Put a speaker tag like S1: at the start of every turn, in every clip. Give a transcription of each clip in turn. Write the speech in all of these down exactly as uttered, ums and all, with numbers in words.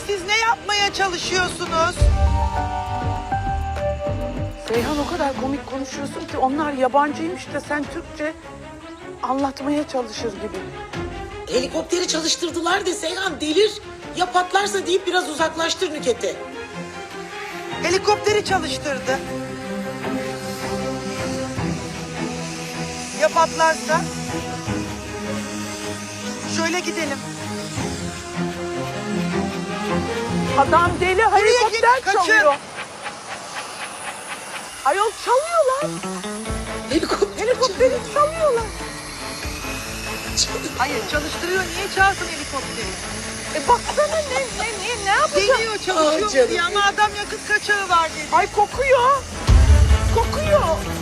S1: siz ne yapmaya çalışıyorsunuz?
S2: Seyhan o kadar komik konuşuyorsun ki onlar yabancıymış da sen Türkçe anlatmaya çalışır gibi.
S3: Helikopteri çalıştırdılar de Seyhan delir. Ya patlarsa deyip biraz uzaklaştır Nüket'i.
S1: Helikopteri çalıştırdı. Ya patlarsa? Şöyle gidelim.
S2: Adam deli helikopter
S1: git, kaçın.
S2: çalıyor. Ayol çalıyorlar.
S3: Helikopter
S2: Helikopteri çalıyorlar.
S1: Hayır çalıştırıyor. Niye çalsın helikopteri?
S2: E baksana ne ne ne ne yapacak?
S1: Deniyor
S3: Ah
S1: çalışıyor
S3: canım
S1: diye ama adam yakıt kaçağı var dedi.
S2: Ay kokuyor. Kokuyor.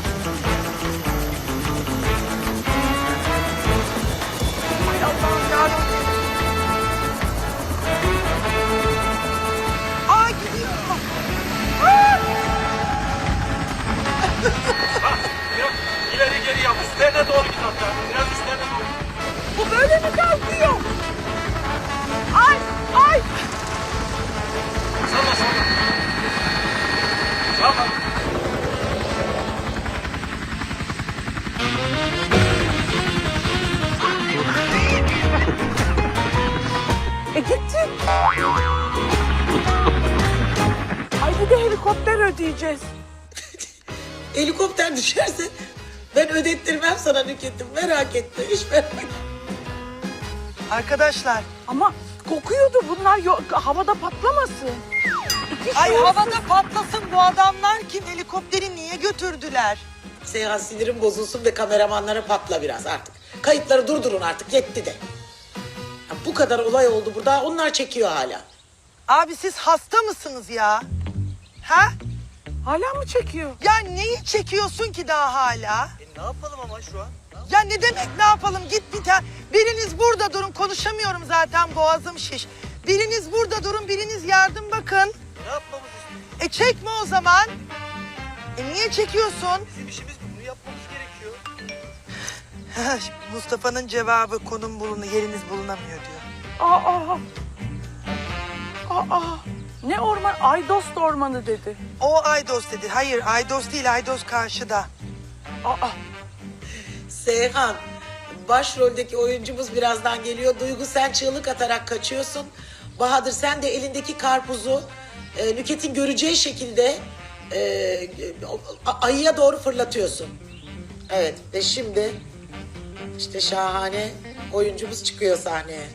S2: Ay Allah'ım yarabbim.
S1: Aa gidiyor.
S4: Yok, ileri geri yap. Üstlerine doğru git hatta. Biraz üstlerine doğru.
S2: Bu böyle mi kalkıyor? Ay ay.
S4: Salla salla. Salla.
S2: E gitti. Ay bir de helikopter ödeyeceğiz.
S3: Helikopter düşerse ben ödettirmem sana Nüket'im. Merak etme. Hiç merak etme.
S1: Arkadaşlar.
S2: Ama kokuyordu bunlar yo- havada patlamasın. İki
S1: Ay
S2: şey olsun.
S1: havada patlasın bu adamlar kim? Helikopteri niye götürdüler?
S3: Seyhan sinirim bozulsun ve kameramanlara patla biraz artık. Kayıtları durdurun artık yetti de. Ya bu kadar olay oldu burada. Onlar çekiyor hala.
S1: Abi siz hasta mısınız ya? Ha?
S2: Hala mı çekiyor?
S1: Ya neyi çekiyorsun ki daha hala?
S4: E, ne yapalım ama şu an?
S1: Ya ne demek ne yapalım git bir tane. Biriniz burada durun konuşamıyorum zaten boğazım şiş. Biriniz burada durun biriniz yardım bakın.
S4: Ne yapmamız istiyorsun?
S1: E çekme o zaman. E niye çekiyorsun?
S4: Bizim işimiz bu. Bunu yapmamız gerekiyor.
S1: Mustafa'nın cevabı konum bulunu yeriniz bulunamıyor diyor.
S2: Aa. Aa. Ne orman? Aydost ormanı dedi.
S1: O Aydos dedi. Hayır Aydos değil Aydos karşıda.
S2: Aa.
S3: Seyhan, başroldeki oyuncumuz birazdan geliyor. Duygu sen çığlık atarak kaçıyorsun. Bahadır sen de elindeki karpuzu e, Nüket'in göreceği şekilde e, a- ayıya doğru fırlatıyorsun. Evet ve şimdi işte şahane oyuncumuz çıkıyor sahneye.